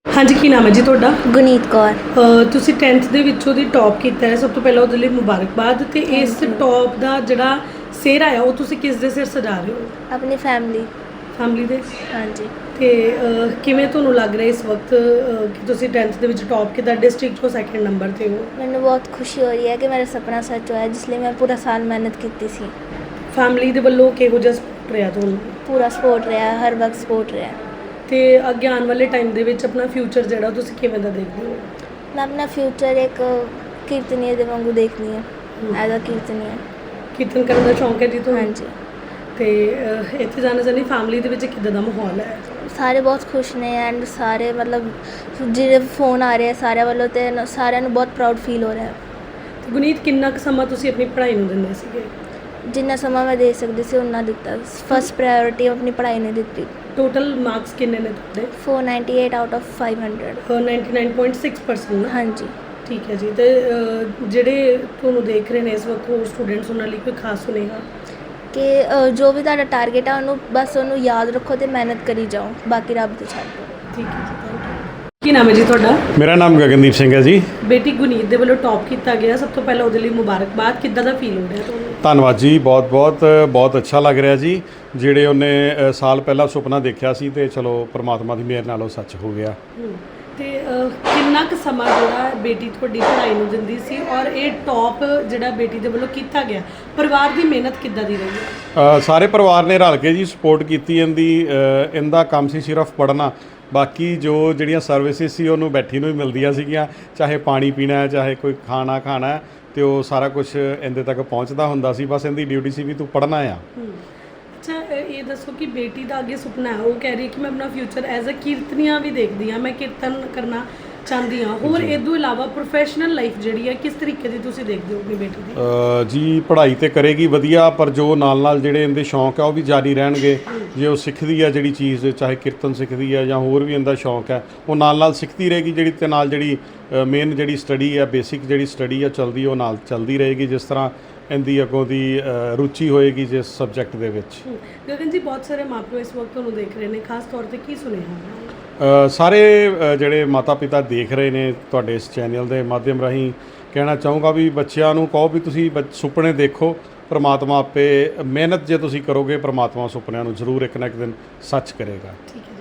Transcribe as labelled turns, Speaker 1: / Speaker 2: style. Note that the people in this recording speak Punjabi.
Speaker 1: हाँ जी, की नाम है जी ਤੁਹਾਡਾ?
Speaker 2: ਗੁਨੀਤ ਕੌਰ।
Speaker 1: ਤੁਸੀਂ 10th ਦੇ ਵਿੱਚੋਂ ਦੀ ਟੌਪ ਕੀਤਾ ਹੈ, ਸਭ ਤੋਂ ਪਹਿਲਾਂ ਉਹਦੇ ਲਈ ਮੁਬਾਰਕਬਾਦ। ਤੇ ਇਸ ਟੌਪ ਦਾ ਜਿਹੜਾ ਸਿਹਰਾ ਆ ਉਹ ਤੁਸੀਂ ਕਿਸ ਦੇ ਸਿਰ ਸਜਾ ਰਹੇ ਹੋ?
Speaker 2: ਆਪਣੀ
Speaker 1: ਫੈਮਿਲੀ ਦੇ।
Speaker 2: ਹਾਂਜੀ।
Speaker 1: ਤੇ ਕਿਵੇਂ ਤੁਹਾਨੂੰ ਲੱਗ ਰਿਹਾ ਇਸ ਵਕਤ ਕਿ ਤੁਸੀਂ 10th ਦੇ ਵਿੱਚ ਟੌਪ ਕੀਤਾ, ਡਿਸਟ੍ਰਿਕਟ ਤੋਂ ਸੈਕਿੰਡ ਨੰਬਰ ਤੇ ਹੋ?
Speaker 2: ਮੈਨੂੰ ਬਹੁਤ ਖੁਸ਼ੀ ਹੋ ਰਹੀ ਹੈ ਕਿ ਮੇਰਾ ਸੁਪਨਾ ਸੱਚ ਹੋਇਆ, ਜਿਸ ਲਈ ਮੈਂ ਪੂਰਾ ਸਾਲ ਮਿਹਨਤ ਕੀਤੀ ਸੀ।
Speaker 1: ਫੈਮਿਲੀ ਦੇ ਵੱਲੋਂ ਕਿਹੋ ਜਿਹਾ ਸਪੋਰਟ ਰਿਹਾ ਤੁਹਾਨੂੰ?
Speaker 2: ਪੂਰਾ ਸਪੋਰਟ ਰਿਹਾ, ਹਰ ਵਕਤ ਸਪੋਰਟ ਰਿਹਾ।
Speaker 1: ਤੇ ਅੱਗੇ ਆਉਣ ਵਾਲੇ ਟਾਈਮ ਦੇ ਵਿੱਚ ਆਪਣਾ ਫਿਊਚਰ ਜਿਹੜਾ ਤੁਸੀਂ ਕਿਵੇਂ ਦਾ ਦੇਖਦੇ ਹੋ?
Speaker 2: ਮੈਂ ਆਪਣਾ ਫਿਊਚਰ ਇੱਕ ਕੀਰਤਨੀਏ ਦੇ ਵਾਂਗੂ ਦੇਖਦੀ ਹਾਂ, ਐਜ਼ ਅ ਕੀਰਤਨੀਆ।
Speaker 1: ਕੀਰਤਨ ਕਰਨ ਦਾ ਸ਼ੌਂਕ ਹੈ ਜੀ ਤੁਹਾਨੂੰ?
Speaker 2: ਹਾਂਜੀ।
Speaker 1: ਤੇ ਇੱਥੇ ਜਾਣਾ ਚਾਹੁੰਦੀ, ਫੈਮਿਲੀ ਦੇ ਵਿੱਚ ਕਿੱਦਾਂ ਦਾ ਮਾਹੌਲ ਹੈ?
Speaker 2: ਸਾਰੇ ਬਹੁਤ ਖੁਸ਼ ਨੇ ਐਂਡ ਸਾਰੇ ਮਤਲਬ ਜਿਹੜੇ ਫੋਨ ਆ ਰਹੇ ਸਾਰਿਆਂ ਵੱਲੋਂ, ਤੇ ਸਾਰਿਆਂ ਨੂੰ ਬਹੁਤ ਪ੍ਰਾਊਡ ਫੀਲ ਹੋ ਰਿਹਾ।
Speaker 1: ਤੇ ਗੁਨੀਤ, ਕਿੰਨਾ ਕੁ ਸਮਾਂ ਤੁਸੀਂ ਆਪਣੀ ਪੜ੍ਹਾਈ ਨੂੰ ਦਿੰਦੇ ਸੀਗੇ?
Speaker 2: ਜਿੰਨਾ ਸਮਾਂ ਮੈਂ ਦੇ ਸਕਦੀ ਸੀ ਉਨਾ ਦਿੱਤਾ। ਫਸਟ ਪ੍ਰਾਇੋਰਟੀ ਆਪਣੀ ਪੜ੍ਹਾਈ ਨੇ ਦਿੱਤੀ।
Speaker 1: ਟੋਟਲ ਮਾਰਕਸ ਕਿੰਨੇ ਨੇ ਤੁਹਾਡੇ?
Speaker 2: 498 ਆਊਟ ਆਫ 500।
Speaker 1: 99.6% ਨਾ?
Speaker 2: ਹਾਂਜੀ।
Speaker 1: ਠੀਕ ਹੈ ਜੀ। ਤੇ ਜਿਹੜੇ ਤੁਹਾਨੂੰ ਦੇਖ ਰਹੇ ਨੇ ਇਸ ਵਕਤ ਹੋਰ ਸਟੂਡੈਂਟਸ, ਉਹਨਾਂ ਲਈ ਕੋਈ ਖਾਸ ਸੁਨੇਹਾ?
Speaker 2: ਕਿ ਜੋ ਵੀ ਤੁਹਾਡਾ ਟਾਰਗੇਟ ਆ ਉਹਨੂੰ ਯਾਦ ਰੱਖੋ ਤੇ ਮਿਹਨਤ ਕਰੀ ਜਾਓ, ਬਾਕੀ ਰੱਬ ਤੇ ਛੱਡ ਦਿਓ।
Speaker 1: ਠੀਕ ਹੈ ਜੀ, ਥੈਂਕ ਯੂ। ਕੀ ਨਾਮ ਹੈ ਜੀ ਤੁਹਾਡਾ?
Speaker 3: ਮੇਰਾ ਨਾਮ ਗਗਨਦੀਪ ਸਿੰਘ ਹੈ ਜੀ।
Speaker 1: ਬੇਟੀ ਗੁਨੀਤ ਦੇ ਵੱਲੋਂ ਟੌਪ ਕੀਤਾ ਗਿਆ, ਸਭ ਤੋਂ ਪਹਿਲਾਂ ਉਹਦੇ ਲਈ ਮੁਬਾਰਕਬਾਦ। ਕਿੱਦਾਂ ਦਾ ਫੀਲ ਹੋ ਰਿਹਾ ਤੁਹਾਨੂੰ?
Speaker 3: ਧੰਨਵਾਦ ਜੀ, ਬਹੁਤ ਅੱਛਾ ਲੱਗ ਰਿਹਾ ਜੀ। ਜਿਹੜੇ ਉਹਨੇ ਸਾਲ ਪਹਿਲਾਂ ਸੁਪਨਾ ਦੇਖਿਆ ਸੀ ਤੇ ਚਲੋ ਪ੍ਰਮਾਤਮਾ ਦੀ ਮਿਹਰ ਨਾਲ ਉਹ ਸੱਚ ਹੋ ਗਿਆ।
Speaker 1: ਤੇ ਕਿੰਨਾ ਕੁ ਸਮਾਂ ਜਿਹੜਾ ਬੇਟੀ ਤੁਹਾਡੀ ਪੜ੍ਹਾਈ ਨੂੰ ਦਿੰਦੀ ਸੀ, ਔਰ ਇਹ ਟੌਪ ਜਿਹੜਾ ਬੇਟੀ ਦੇ ਵੱਲੋਂ ਕੀਤਾ ਗਿਆ, ਪਰਿਵਾਰ ਦੀ ਮਿਹਨਤ ਕਿੱਦਾਂ ਦੀ ਰਹੀ ਹੈ?
Speaker 3: ਸਾਰੇ ਪਰਿਵਾਰ ਨੇ ਰਲ ਕੇ ਜੀ ਸਪੋਰਟ ਕੀਤੀ ਇਹਦਾ ਕੰਮ ਸੀ ਸਿਰਫ ਪੜ੍ਹਨਾ। ਬਾਕੀ ਜਿਹੜੀਆਂ ਸਰਵਿਸਿਜ਼ ਸੀ ਉਹਨੂੰ ਬੈਠੀ ਨੂੰ ਹੀ ਮਿਲਦੀਆਂ ਸੀਗੀਆਂ, ਚਾਹੇ ਪਾਣੀ ਪੀਣਾ ਹੈ, ਚਾਹੇ ਕੋਈ ਖਾਣਾ ਖਾਣਾ ਹੈ, ਤੇ ਉਹ ਸਾਰਾ ਕੁਝ ਇਹਦੇ ਤੱਕ ਪਹੁੰਚਦਾ ਹੁੰਦਾ ਸੀ। ਬਸ ਇਹਦੀ ਡਿਊਟੀ ਸੀ ਵੀ ਤੂੰ ਪੜ੍ਹਨਾ ਆ।
Speaker 1: ਅੱਛਾ, ਇਹ ਦੱਸੋ ਕਿ ਬੇਟੀ ਦਾ ਅੱਗੇ ਸੁਪਨਾ ਹੈ, ਉਹ ਕਹਿ ਰਹੀ ਹੈ ਕਿ ਮੈਂ ਆਪਣਾ ਫਿਊਚਰ ਐਜ਼ ਅ ਕੀਰਤਨੀਆ ਵੀ ਦੇਖਦੀ ਹਾਂ, ਮੈਂ ਕੀਰਤਨ ਕਰਨਾ ਚਾਹੁੰਦੀ ਹਾਂ। ਹੋਰ ਇਹ ਤੋਂ ਇਲਾਵਾ ਪ੍ਰੋਫੈਸ਼ਨਲ ਲਾਈਫ ਜਿਹੜੀ ਹੈ ਕਿਸ ਤਰੀਕੇ ਦੀ ਤੁਸੀਂ ਦੇਖਦੇ ਹੋ ਆਪਣੀ ਬੇਟੀ ਦੀ?
Speaker 3: ਜੀ ਪੜ੍ਹਾਈ ਤੇ ਕਰੇਗੀ ਵਧੀਆ, ਪਰ ਜੋ ਨਾਲ ਜਿਹੜੇ ਇਹਦੇ ਸ਼ੌਂਕ ਆ ਉਹ ਵੀ ਜਾਰੀ ਰਹਿਣਗੇ। ਜੇ ਉਹ ਸਿੱਖਦੀ ਆ ਜਿਹੜੀ ਚੀਜ਼, ਚਾਹੇ ਕੀਰਤਨ ਸਿੱਖਦੀ ਆ ਜਾਂ ਹੋਰ ਵੀ ਇਹਦਾ ਸ਼ੌਂਕ ਹੈ, ਉਹ ਨਾਲ ਸਿੱਖਦੀ ਰਹੇਗੀ। ਜਿਹੜੀ ਮੇਨ ਜਿਹੜੀ ਸਟੱਡੀ ਆ, ਬੇਸਿਕ ਜਿਹੜੀ ਸਟੱਡੀ ਆ ਚੱਲਦੀ, ਉਹ ਨਾਲ ਚੱਲਦੀ ਰਹੇਗੀ। ਜਿਸ ਤਰ੍ਹਾਂ ਇਹਦੀ ਅੱਗੋਂ ਦੀ ਰੁਚੀ ਹੋਏਗੀ ਜਿਸ ਸਬਜੈਕਟ ਦੇ ਵਿੱਚ।
Speaker 1: ਗਗਨ ਜੀ, ਬਹੁਤ ਸਾਰੇ ਮਾਪੇ ਇਸ ਵਕਤ ਤੁਹਾਨੂੰ ਦੇਖ ਰਹੇ ਨੇ, ਖਾਸ ਤੌਰ ਤੇ ਕੀ ਸੁਨੇਹਾ?
Speaker 3: ਸਾਰੇ ਜਿਹੜੇ ਮਾਤਾ ਪਿਤਾ ਦੇਖ ਰਹੇ ਨੇ ਤੁਹਾਡੇ ਇਸ ਚੈਨਲ ਦੇ ਮਾਧਿਅਮ ਰਾਹੀਂ, ਕਹਿਣਾ ਚਾਹੂੰਗਾ ਵੀ ਬੱਚਿਆਂ ਨੂੰ ਕਹੋ ਵੀ ਤੁਸੀਂ ਸੁਪਨੇ ਦੇਖੋ, ਪ੍ਰਮਾਤਮਾ ਆਪੇ ਮਿਹਨਤ ਜੇ ਤੁਸੀਂ ਕਰੋਗੇ, ਪ੍ਰਮਾਤਮਾ ਸੁਪਨਿਆਂ ਨੂੰ ਜ਼ਰੂਰ ਇੱਕ ਨਾ ਇੱਕ ਦਿਨ ਸੱਚ ਕਰੇਗਾ।
Speaker 1: ਠੀਕ ਹੈ।